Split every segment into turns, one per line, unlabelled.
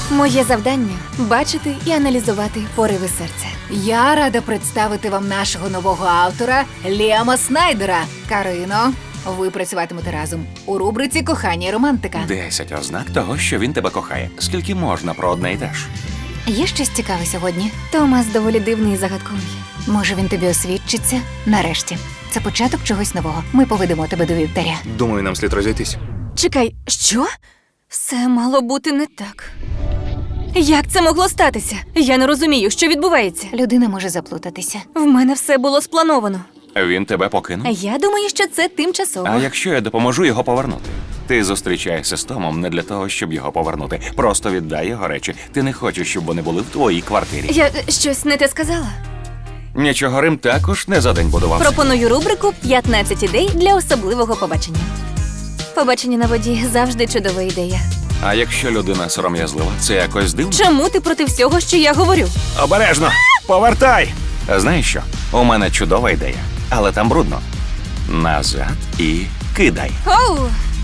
Моє завдання – бачити і аналізувати пориви серця.
Я рада представити вам нашого нового автора Ліама Снайдера. Карино, ви працюватимете разом у рубриці «Кохання і романтика».
10 ознак того, що він тебе кохає. Скільки можна про одне й те ж?
Є щось цікаве сьогодні?
Томас доволі дивний і загадковий.
Може, він тобі освідчиться? Нарешті. Це початок чогось нового. Ми поведемо тебе до вівтаря.
Думаю, нам слід розійтись.
Чекай, що? Все мало бути не так. Як це могло статися? Я не розумію, що відбувається.
Людина може заплутатися.
В мене все було сплановано.
Він тебе покинув?
Я думаю, що це тимчасово.
А якщо я допоможу його повернути? Ти зустрічаєшся з Томом не для того, щоб його повернути. Просто віддай його речі. Ти не хочеш, щоб вони були в твоїй квартирі.
Я щось не те сказала?
Нічого, Рим також не за день будувався.
Пропоную рубрику «15 ідей для особливого побачення». Побачення на воді завжди чудова ідея.
А якщо людина сором'язлива, це якось дивно?
Чому ти проти всього, що я говорю?
Обережно! Повертай! Знаєш що? У мене чудова ідея, але там брудно. Назад і кидай.
Оу!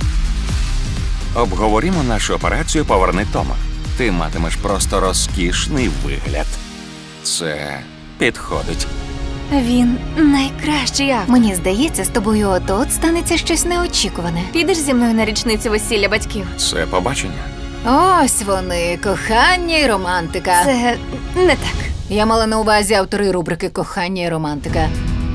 Обговорімо нашу операцію «Поверни Тома». Ти матимеш просто розкішний вигляд. Це підходить.
Він найкращий автор.
Мені здається, з тобою от-от станеться щось неочікуване.
Підеш зі мною на річницю весілля батьків?
Це побачення.
Ось вони, кохання і романтика.
Це не так.
Я мала на увазі автори рубрики «Кохання і романтика».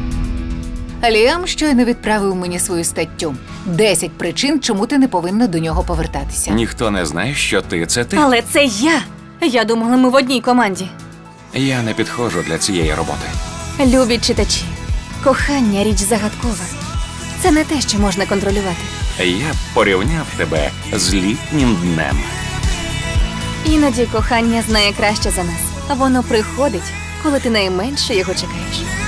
Ліам щойно відправив мені свою статтю. 10 причин, чому ти не повинна до нього повертатися.
Ніхто не знає, що ти.
Але це я. Я думала, ми в одній команді.
Я не підходжу для цієї роботи.
Любі читачі, кохання – річ загадкова. Це не те, що можна контролювати.
Я б порівняв тебе з літнім днем.
Іноді кохання знає краще за нас. Воно приходить, коли ти найменше його чекаєш.